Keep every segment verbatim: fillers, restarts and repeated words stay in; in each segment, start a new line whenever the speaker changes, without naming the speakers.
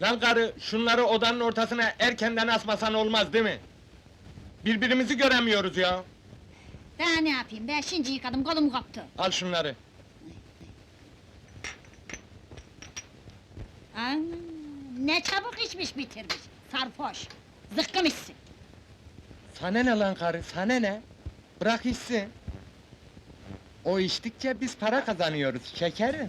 Lan karı, şunları odanın ortasına erkenden asmasan olmaz değil mi? Birbirimizi göremiyoruz ya.
Daha ne yapayım, ben şimdi yıkadım, kolum koptu.
Al şunları.
Aa, ne çabuk içmiş bitirmiş, sarhoş! Zıkkım içsin!
Sana ne lan karı, sana ne? Bırak içsin. O içtikçe biz para kazanıyoruz, şekerim.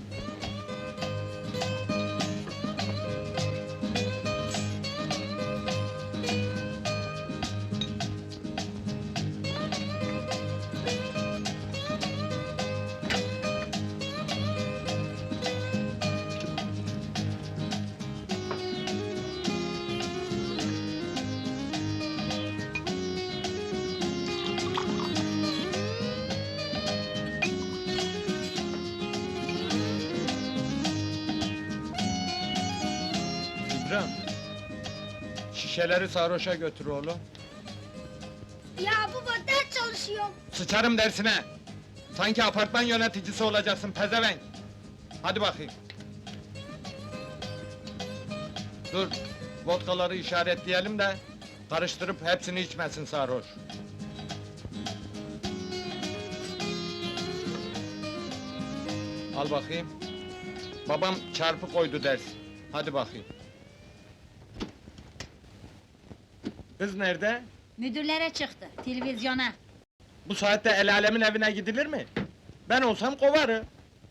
İbrahim, şişeleri sarhoşa götür oğlum.
Ya baba, ders çalışıyorum!
Sıçarım dersine! Sanki apartman yöneticisi olacaksın pezevenk! Hadi bakayım! Dur, vodkaları işaretleyelim de... ...karıştırıp hepsini içmesin sarhoş! Al bakayım! Babam çarpı koydu ders! Hadi bakayım! Kız nerede?
Müdürlere çıktı, televizyona!
Bu saatte el alemin evine gidilir mi? Ben olsam kovarım!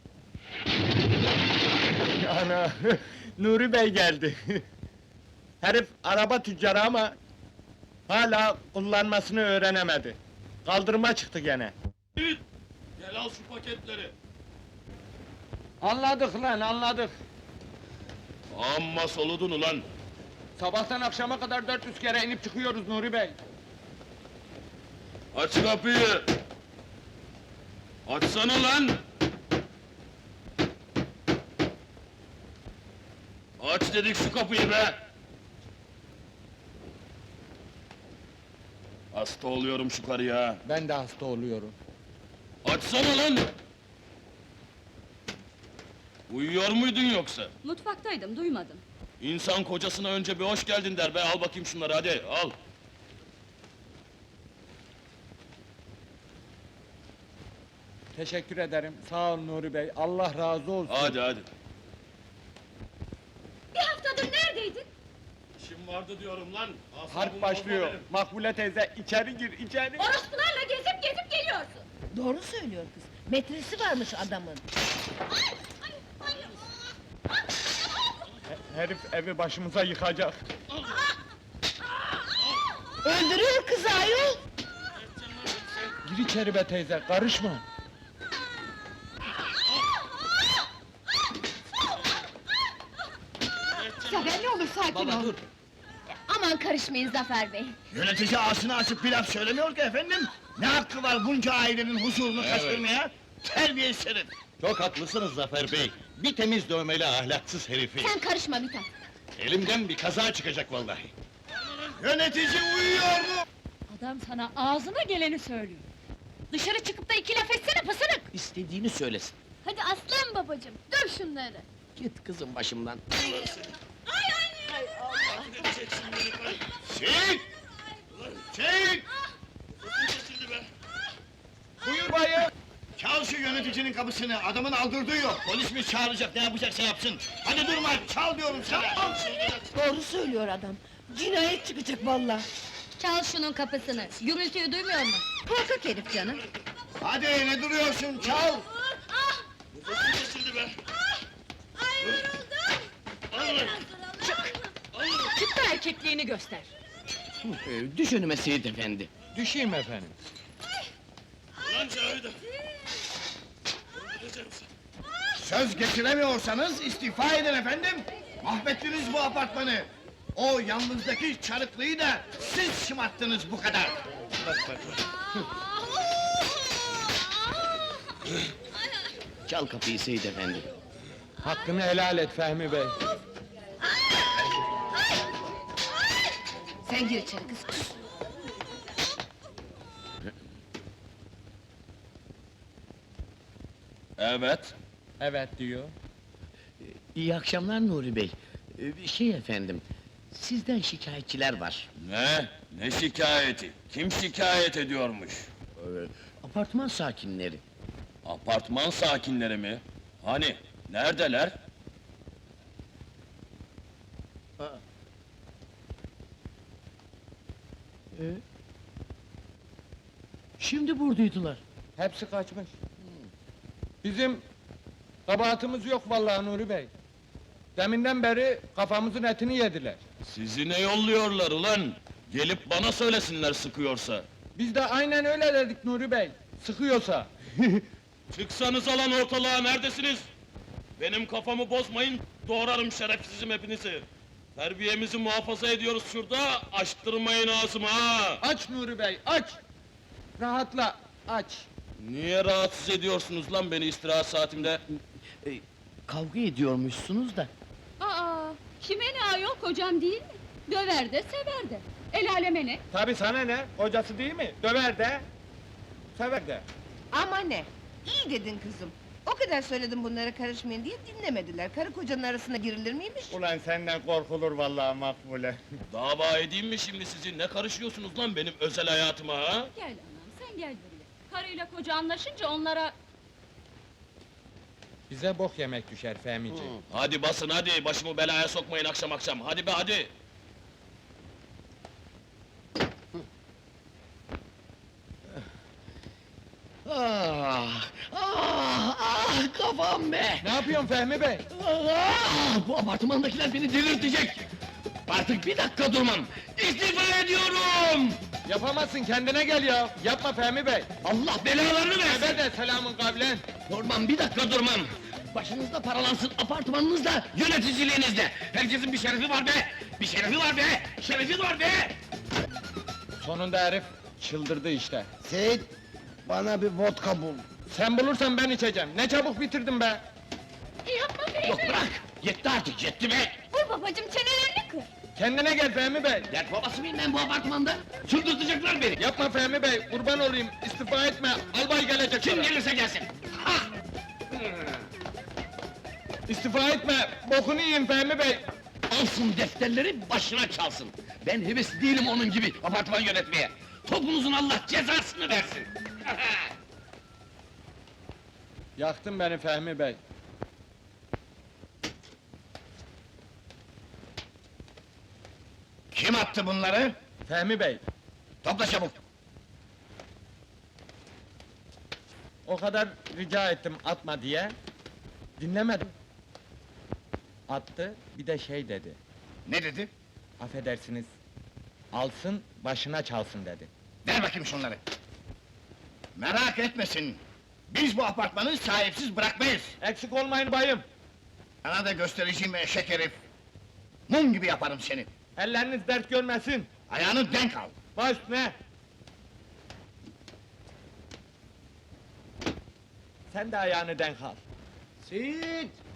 Ana! Nuri Bey geldi! Herif araba tüccarı ama... ...hala kullanmasını öğrenemedi. Kaldırıma çıktı gene.
Gel al şu paketleri.
Anladık lan, anladık!
Amma soludun ulan!
Sabahtan akşama kadar dört yüz kere inip çıkıyoruz Nuri Bey!
Aç kapıyı! Açsana lan! Aç dedik şu kapıyı be! Hasta oluyorum şu karıya!
Ben de hasta oluyorum.
Açsana lan! Uyuyor muydun yoksa?
Mutfaktaydım, duymadım.
İnsan kocasına önce bir hoş geldin der be, al bakayım şunları hadi, al!
Teşekkür ederim, sağ ol Nuri Bey, Allah razı olsun!
Hadi hadi!
Bir haftadır neredeydin?
İşim vardı diyorum lan! Asabımı
Harp
bozma
başlıyor!
benim.
Makbule teyze, içeri gir, içeri!
Orospularla gezip gezip geliyorsun!
Doğru söylüyor kız. Metresi varmış adamın.
He- Herif evi başımıza yıkacak!
Öldürüyor kızı ayol!
Gir içeri be teyze, karışma!
Zafer ne olur sakin ol!
Aman karışmayın Zafer Bey!
Yönetici ağzını açıp bir laf söylemiyor ki efendim! Ne hakkı var bunca ailenin huzurunu
Evet.
kaçırmaya? Terbiyesiz herif!
Çok haklısınız Zafer Bey. Bir temiz dövmeli ahlaksız herifi.
Sen karışma Mithat!
Elimden bir kaza çıkacak vallahi.
Yönetici uyuyor mu?
Adam sana ağzına geleni söylüyor! Dışarı çıkıp da iki laf etsene pısırık!
İstediğini söylesin.
Hadi aslan babacığım, döv şunları!
Git kızım başımdan.
Seyit! Seyit!
Buyur bayım!
Çal şu yöneticinin kapısını, adamın aldırdığı yok! Polis mi çağıracak, ne yapacaksa yapsın! Hadi durma, çal diyorum sana!
Doğru söylüyor adam. Cinayet çıkacak vallahi.
Çal şunun kapısını, gürültüyü duymuyor mu?
Korkak herif canım.
Hadi ne duruyorsun, çal!
Çık da erkekliğini göster!
Ee, düş önüme Seyit efendi.
Düşeyim efendim!
Lan Cavide!
Söz getiremiyorsanız istifa edin efendim! Mahvettiniz bu apartmanı! O yalnızdaki çarıklıyı da siz şımarttınız bu kadar!
Çal kapıyı Seyit efendi.
Hakkını helal et Fehmi Bey!
Sen gir içeri kız. Kız.
Evet!
Evet diyor.
İyi akşamlar Nuri Bey. Ee, Ee, Şey efendim, sizden şikayetçiler var.
Ne? Ne şikayeti? Kim şikayet ediyormuş?
Ee, Apartman sakinleri.
Apartman sakinleri mi? Hani? Neredeler?
Ee, Şimdi buradaydılar.
Hepsi kaçmış. Bizim kabahatimiz yok vallahi Nuri Bey. Deminden beri kafamızın etini yediler.
Sizi ne yolluyorlar ulan? Gelip bana söylesinler sıkıyorsa.
Biz de aynen öyle dedik Nuri Bey. Sıkıyorsa.
Çıksanız alan ortalığa, neredesiniz? Benim kafamı bozmayın, doğrarım şerefsizim hepinizi. Terbiyemizi muhafaza ediyoruz şurada, açtırmayın ağzımı ha!
Aç Nuri Bey, aç! Rahatla, aç!
Niye rahatsız ediyorsunuz lan beni istirahat saatimde?
Ee, Kavga ediyormuşsunuz da.
Aa, kime ne ayol, kocam değil mi? Döver de sever de. El aleme ne?
Tabii sana ne? Kocası değil mi? Döver de, sever de.
Ama ne? İyi dedin kızım. O kadar söyledim bunlara karışmayın diye dinlemediler. Karı kocanın arasına girilir miymiş?
Ulan senden korkulur vallahi Makbule.
Dava edeyim mi şimdi sizi? Ne karışıyorsunuz lan benim özel hayatıma ha?
Gel anam, sen gel buraya. Karıyla koca anlaşınca onlara...
Bize bok yemek düşer Fehmici.
Hadi basın hadi, başımı belaya sokmayın akşam akşam, hadi be hadi!
Ah, ah, ah, kafam be!
Ne yapıyorsun Fehmi Bey?
Ah, bu apartmandakiler beni delirtecek! Artık bir dakika durmam! İstifa ediyorum!
Yapamazsın, kendine gel ya! Yapma Fehmi Bey!
Allah belalarını versin!
Ebe de selamın kavlen!
Durmam, bir dakika durmam! Başınızda paralansın, apartmanınızda, yöneticiliğinizde! Herkesin bir şerefi var be! Bir şerefi var be! Şerefi var be!
Sonunda herif çıldırdı işte.
Seyit, bana bir vodka bul.
Sen bulursan ben içeceğim. Ne çabuk bitirdin be!
Yapma Fehmi!
Yok bırak! Yetti artık, yetti be!
Vur babacım, çenelerini kır!
Kendine gel Fehmi Bey!
Dert babası mıyım ben bu apartmanda? Çıldırtacaklar beni!
Yapma Fehmi Bey, kurban olayım, istifa etme, albay gelecek
Kim
sana.
gelirse gelsin! Ha!
İstifa etme, bokunu yiyin Fehmi Bey!
Alsın defterleri, başına çalsın! Ben hevesli değilim onun gibi apartman yönetmeye! Topunuzun Allah cezasını versin!
Yaktın beni Fehmi Bey!
Kim attı bunları?
Fehmi Bey,
Topla çabuk!
o kadar rica ettim atma diye, dinlemedim. Attı, bir de şey dedi,
Ne dedi?
affedersiniz, alsın, başına çalsın dedi.
Ver bakayım şunları! Merak etmesin! Biz bu apartmanı sahipsiz bırakmayız!
Eksik olmayın bayım!
Sana da göstereceğim eşek herif! Mum gibi yaparım seni!
Elleriniz dert görmesin!
Ayağını denk al!
Baş ne? Sen de ayağını denk al.
Seyit!